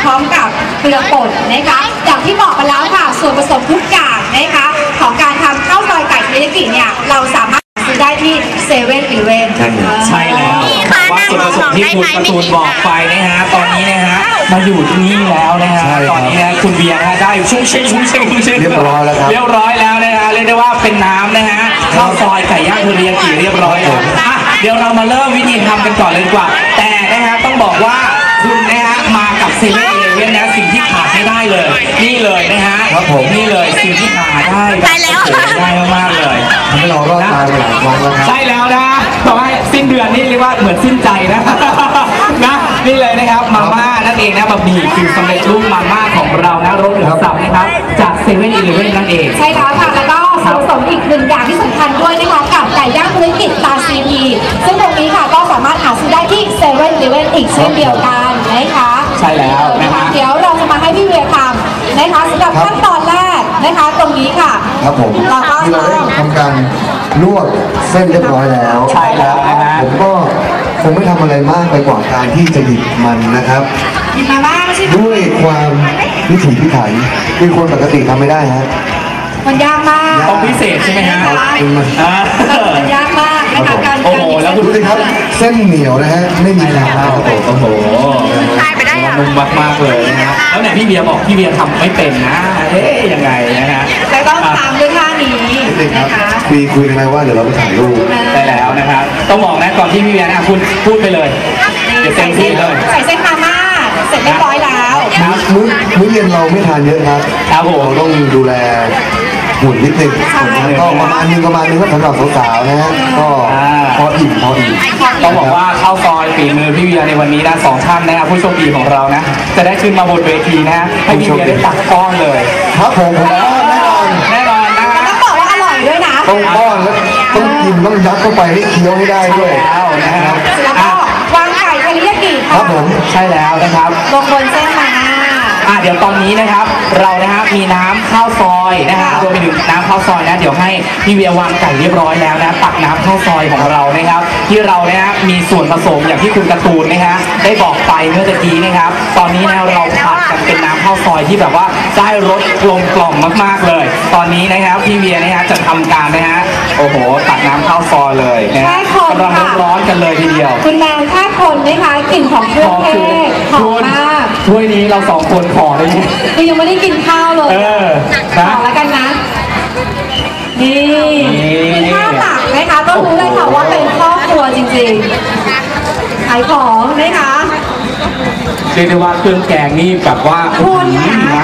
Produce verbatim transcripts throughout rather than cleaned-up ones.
ร้อมกับเกลือป่นนะคะอย่างที่บอกไปแล้วค่ะส่วนผสมทุกอย่างนะคะของการทำข้าวซอยไก่เทริยากิเนี่ยเราสามารถซื้อได้ที่เซเว่นอีเลฟเว่นใช่แล้วว่าส่วนผสมที่คุณการ์ตูนบอกไปนะฮะตอนนี้นะฮะมาอยู่ที่นี่แล้วนะฮะตอนนี้นะคุณเบียร์นะได้ชุ่มเชงชุ่มเชงชุ่มเชงเรียบร้อยแล้วครับเรียบร้อยแล้วนะฮะเรียกได้ว่าเป็นน้ำนะฮะข้าวซอยไก่ย่างเทริยากิเรียบร้อยแล้วเดี๋ยวเรามาเริ่มวิธีทำกันก่อนเลยดีกว่าแต่นะฮะต้องบอกว่าคุณนะฮะมากับเซเว่นอีเลฟเว่นนะสิ่งที่ขาดไม่ได้เลยนี่เลยนะฮะครับผมนี่เลยสิ่งที่ขาดได้ได้แล้วได้มากๆเลยทำให้เรารอดตายไปหลายครั้งแล้วครับใช่แล้วนะต่อให้สิ้นเดือนนี่เรียกว่าเหมือนสิ้นใจนะนะนี่เลยนะครับมาม่านั่นเองนะบะหมี่กึ่งสำเร็จรูปมาม่าของเรานะรสเหลืองสับนะครับจากเซเว่นอีเลฟเว่นนั่นเองใช่แล้วค่ะแล้วก็ส่วนผสมอีกหนึ่งอย่างที่สำคัญด้วยนะคะกับไก่ย่างธุรกิจตาซีพีซึ่งตรงนี้ค่ะก็สามารถหาซื้อได้ที่เซเว่นอีเลฟเว่นอีกเช่นเดียวกันนะคะใช่แล้วนะคะเดี๋ยวเราจะมาให้พี่เวียทำนะคะสำหรับขั้นตอนแรกนะคะตรงนี้ค่ะครับผมที่เราได้ทำการลวกเส้นเรียบร้อยแล้วใช่แล้วนะฮะผมก็คงไม่ทำอะไรมากไปกว่าการที่จะหยิบมันนะครับหยิบมาบ้างใช่ไหมด้วยความพิถีพิถันที่คนปกติทำไม่ได้ฮะมันยากมากต้องพิเศษใช่ไหมฮะมันยากมากนะคะการโอ้โหแล้วดูสิครับเส้นเหนียวนะฮะไม่มีน้ำครับโอ้โหนุ่มมากๆเลยนะฮะแล้วเนี่ยพี่เบียร์บอกพี่เบียร์ทำไม่เป็นนะเอ๊ยยังไงนะฮะแต่ต้องทำด้วยท่านี้นะคะคุยคุยกันไหมว่าเดี๋ยวเราไปถ่ายรูปได้แล้วนะครับต้องบอกนะก่อนที่พี่เบียร์นะคุณพูดไปเลยเดี๋ยวเต็มที่เลยใส่เส้นมาม่าเสร็จเรียบร้อยแล้วมื้อมื้อเย็นเราไม่ทานเยอะครับครับผมเราต้องดูแลหุ่นนิดนึงก็ประมาณนึงประมาณนึงก็สำหรับสาวๆนะฮะก็พออิ่มพออิ่มต้องบอกว่าข้าวซอยฝีมือพี่เวียในวันนี้นะสองท่านนะครับผู้โชคดีของเรานะจะได้ขึ้นมาบนเวทีนะให้พี่เวียได้ตักก้อนเลยครับผมแน่นอนแน่นอนนะต้องบอกว่าอร่อยด้วยนะต้องก้อนแล้วต้องกินต้องยัดเข้าไปให้เคี้ยวให้ได้ด้วยแล้วนะครับแล้วก็วางไก่เทริยากิครับผมใช่แล้วนะครับลงบนเส้นมาอ่ะเดี๋ยวตอนนี้นะครับเรานะฮะมีน้ำข้าวซอยนะฮะรวมไปถึงน้ำข้าวซอยนะเดี๋ยวให้พี่เวียวางไก่เรียบร้อยแล้วนะตักน้ำข้าวซอยของเรานะครับที่เรานะฮะมีส่วนผสมอย่างที่คุณการ์ตูนนะฮะได้บอกไปเมื่อตะกี้นะครับตอนนี้นะเราผัดกันเป็นน้ำข้าวซอยที่แบบว่าได้รสกลมกล่อมมากๆเลยตอนนี้นะครับพี่เวียนะฮะจะทำการนะฮะโอ้โหตักน้ำข้าวซอยเลยนะฮะกำลังร้อนๆกันเลยทีเดียวคุณแมนแค่คนนะคะกลิ่นของเครื่องเทศหอมมากถ้วยนี้เราสองคนขอได้ไหมคือยังไม่ได้กินข้าวเลยเออขอแล้วกันนะนี่ข้าวตักนะคะก็รู้เลยค่ะว่าเป็นครอบครัวจริงๆขายของนะคะเรียกได้ว่าเครื่องแกงนี่แบบว่าคุณนะ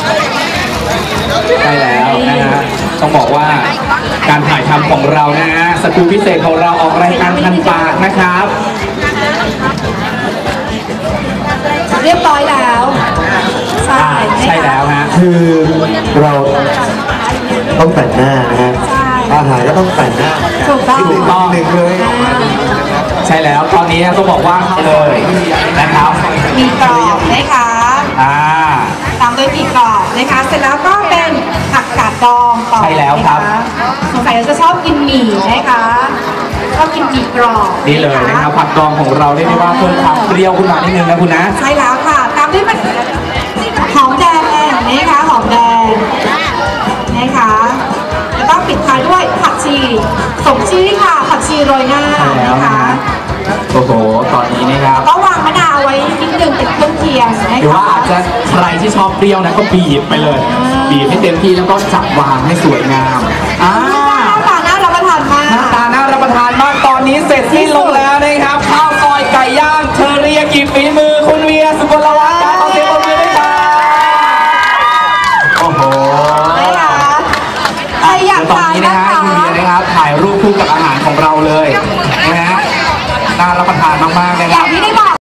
ใช่แล้วนะฮะต้องบอกว่าการถ่ายทำของเรานะฮะสกู๊ปพิเศษของเราออกรายการทันปากนะครับเรียบร้อยแล้วใช่ใช่แล้วฮะคือเราต้องแต่งหน้านะฮะอาหารก็ต้องแต่งหน้าถูกต้องนิดนึงเลยใช่แล้วตอนนี้ต้องบอกว่าเลยนะครับมีกรอบนะคะอ่าตามด้วยมีกรอบนะคะเสร็จแล้วก็เป็นผักกาดดองต่อใช่แล้วครับสงสัยจะชอบกินหมี่นะคะชอบกินหมี่กรอบนี่เลยนะครับผักดองของเราได้ไหมว่าเพิ่มความเปรี้ยวขึ้นมานิดนึงนะคุณนะใช่แล้วค่ะตามด้วยหอมแดงนะคะหอมแดงนะคะแล้วก็ปิดท้ายด้วยผักชีสมชื่อค่ะผักชีโรยหน้านะคะโอ้โหตอนนี้นะครับก็วางมะนาวไว้นิดนึงเป็นเครื่องเคียงนะคะหรือว่าอาจจะใครที่ชอบเปรี้ยวนะก็บีบไปเลยบีบให้เต็มที่แล้วก็จับวางให้สวยงามอ่าหน้าตาน่ารับประทานมากหน้าตาน่ารับประทานมากตอนนี้เสร็จสิ้นลงแล้วนะครับข้าวซอยไก่ย่างเทริยากิฝีมือคุณเวียสุกลวัฒน์ขอเสียงปรบมือด้วยครับโอ้โหใครอยากทานนะคะคุณเวียนะครับถ่ายรูปคู่กับอาหารของ